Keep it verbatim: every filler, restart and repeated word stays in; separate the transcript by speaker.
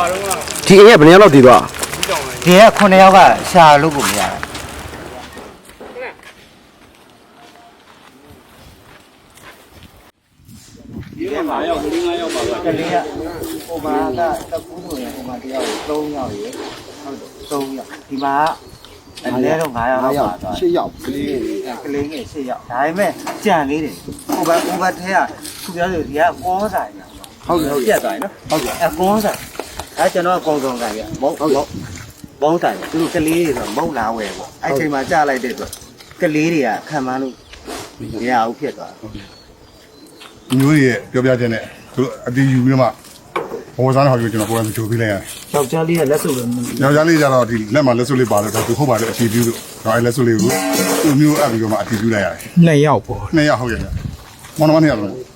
Speaker 1: ဒီအိမ်ကဘယ်နှစ်ယောက်လောက်တည်သွား
Speaker 2: ဒီကခုနှစ်ယောက်ကရှာလို့ကိုမရဘူးဒီကမှာရောက်ဒီငါရောက်ပါကလေးကဟိုမှာကတကူးဆိုရင်ဟိုမှာတယောက်သုံးယောက်ရေဟုတ်သုံးယောက်ဒီမှာအနည်းတော့၅ယောက်လောက်ပါသွား
Speaker 1: ရှစ်ယောက်ကလေး
Speaker 2: ကလေးငယ်ရှစ်ယောက်ဒါပေမဲ့ကြံလေးတယ်ဟိုဘဟိုဘထဲကခုပြောလို့ဒီကကောဆိုင်ဟုတ်တယ်ဟုတ်ပြတ်သွားပြီနော်ဟုတ်ကဲ့အကောဆိုင်အဲကျွန်တော်အကောင်ဆောင်ဆိုင်ပြမဟုတ်ဟုတ်ဘုံဆိုင်သူတို့ကလေးတွေဆိုမုံလာဝယ်ပေါ့အဲ့ချိန်မှာကြားလိုက်တဲ့အတွက်ကလေးတွေကခံမလို့မရဘူးဖြစ်သွား
Speaker 3: မျိုးရဲ့ပြောပြချက်နဲ့သူအတီးယူပြီးမှဘောစားတဲ့ဟာကိုကျွန်တော်ကိုယ်ကကြိုပေးလိုက်ရတယ်
Speaker 2: ။ယောက်ျားလေးကလက်စုပ်လို့
Speaker 3: ။ယောက်ျားလေးကျတော့ဒီလက်မှာလက်စုပ်လေးပါလို့သူဟုတ်ပါတယ်အတီးပြူလို့တော့အဲလက်စုပ်လေးကိုသူမျိုးအပ်ပြီးတော့မှအတီးပြူလိုက်ရတယ်
Speaker 1: ။နှစ်ယောက်ပေါ့
Speaker 3: ။နှစ်ယောက်ဟုတ်ရဲ့။မောင်နှမနှစ်ယောက်လုံး